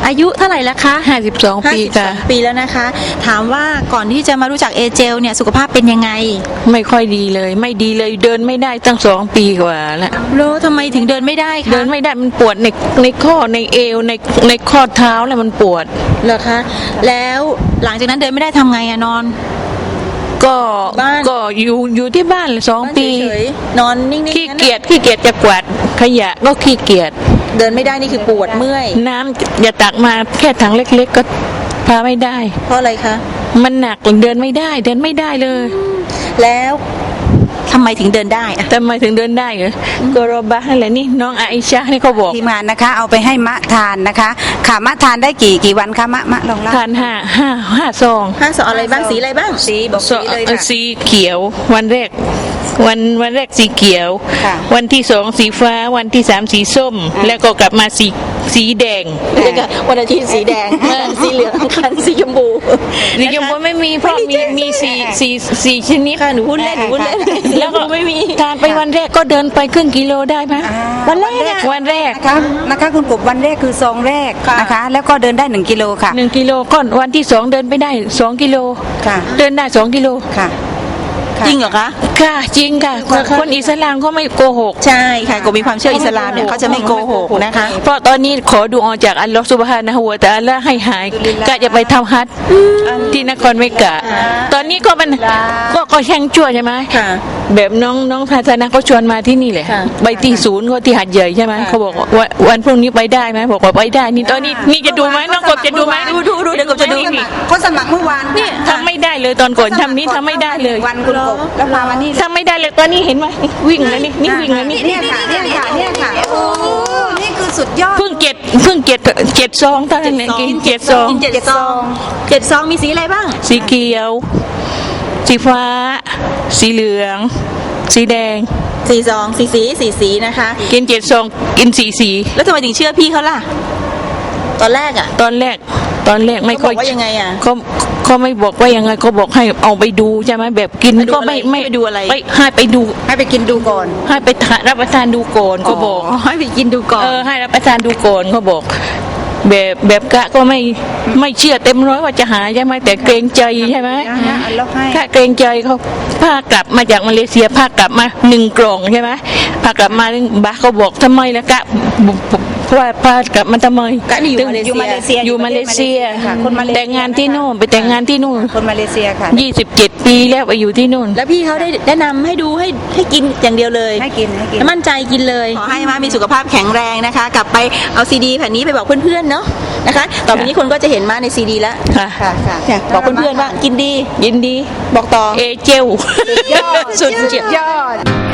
อายุเท่าไหร่แล้วคะ 52 ปีค่ะ 52 ปีแล้วนะคะถามว่าก่อนที่จะมารู้จักเอเจลเนี่ยสุขภาพเป็นยังไงไม่ค่อยดีเลยไม่ดีเลยเดินไม่ได้ตั้ง2 ปีกว่าแล้วแล้วทำไมถึงเดินไม่ได้คะเดินไม่ได้มันปวดในข้อในเอวในข้อเท้าแล้วมันปวดเหรอคะแล้วหลังจากนั้นเดินไม่ได้ทำไงอะนอนก็อยู่ที่บ้าน2 ปีนอนนิ่งๆขี้เกียจจะกวาดขยะก็ขี้เกียจเดินไม่ได้นี่คือปวดเมื่อยน้ำอย่าตักมาแค่ถังเล็กๆก็พาไม่ได้เพราะอะไรคะมันหนักเดินไม่ได้เลยแล้วทำไมถึงเดินได้อะทำไมถึงเดินได้เหรอก็รบะอะไรนี่น้องอาอิชะนี่เขาบอกทีมงานนะคะเอาไปให้มะทานนะคะค่ะมะทานได้กี่วันคะมะลองเล่าทาน5 ซองอะไรบ้างสีอะไรบ้างสีบอกสีเลยค่ะสีเขียววันแรกสีเขียววันที่2สีฟ้าวันที่3สีส้มแล้วก็กลับมาสีแดงวันอาทิตย์สีแดงสีเหลืองคันสีชมพูไม่มีเพราะมีสีชนิดค่ะหนูพูดเล่นแล้วก็ไม่มีทานไปวันแรกก็เดินไปครึ่งกิโลได้ไหมวันแรกนะคะคุณกบวันแรกคือซองแรกนะคะแล้วก็เดินได้1 กิโลค่ะ 1 กิโลก่อนวันที่2เดินไปได้2 กิโลค่ะเดินได้2 กิโลค่ะจริงเหรอคะค่ะจริงค่ะคนอิสลามเขาไม่โกหกใช่ค่ะก็มีความเชื่ออิสลามเนี่ยเขาจะไม่โกหกนะคะเพราะตอนนี้ขอดูออกจากอัลลอฮฺซุบฮานะฮูวะตะอาลาให้หายก็จะไปทำฮัจญ์ที่นครเมกะตอนนี้ก็มันก็แช่งชั่วใช่ไหมแบบน้องภาษานะเขาชวนมาที่นี่แหละไปที่ศูนย์เขาที่หัดใหญ่ใช่ไหมเขาบอกว่าวันพรุ่งนี้ไปได้ไหมบอกว่าไปได้นี่ตอนนี้นี่จะดูไหมน้องกบจะดูไหมดูเดี๋ยวกบจะดูเขาสมัครเมื่อวานนี่ทำไม่ได้เลยตอนก่อนทำนี้ทำไม่ได้เลยวันคุณกบแล้วมาวันนี้ทำไม่ได้เลยตอนนี้เห็นไหมวิ่งแล้วนี่วิ่งแล้วนี่เนี่ยค่ะโอ้นี่คือสุดยอดเพิ่งเจ็ดซองตอนนั้นกิน7 ซองมีสีอะไรบ้างสีเขียวสีฟ้าสีเหลืองสีแดง 4 ซอง4 สีนะคะกิน7 ซองกิน4 สีแล้วทำไมถึงเชื่อพี่เขาล่ะตอนแรกไม่ค่อยว่ายังไงอ่ะเขาไม่บอกว่ายังไงเขาบอกให้เอาไปดูใช่ไหมแบบกินก็ไม่ดูอะไรให้ไปดูให้ไปกินดูก่อนให้ไปรับประทานดูก่อนเขาบอกให้ไปกินดูก่อนให้รับประทานดูก่อนเขาบอกแบบกะก็ไม่เชื่อเต็มร้อยว่าจะหายใช่ไหมแต่เกรงใจใช่ไหมถ้าเกรงใจเขาพากลับมาจากมาเลเซียพากลับมา1 กล่องใช่ไหมพากลับมาบ้าเขาบอกทำไมล่ะกะเพราะว่าพากลับมาทำไมกะอยู่มาเลเซียแต่งงานที่นู่นไปแต่งงานที่นู่นคนมาเลเซียค่ะ 27 ปีแล้วไปอยู่ที่นู่นแล้วพี่เขาได้แนะนำให้ดูให้กินอย่างเดียวเลยให้กินมั่นใจกินเลยขอให้มามีสุขภาพแข็งแรงนะคะกลับไปเอาซีดีแผ่นนี้ไปบอกเพื่อนๆเนาะนะคะต่อไปนี้คนก็จะเห็นมาในซีดีแล้วค่ะบอกเพื่อนๆว่ากินดียินดีบอกต่อเอเจลสุดยอด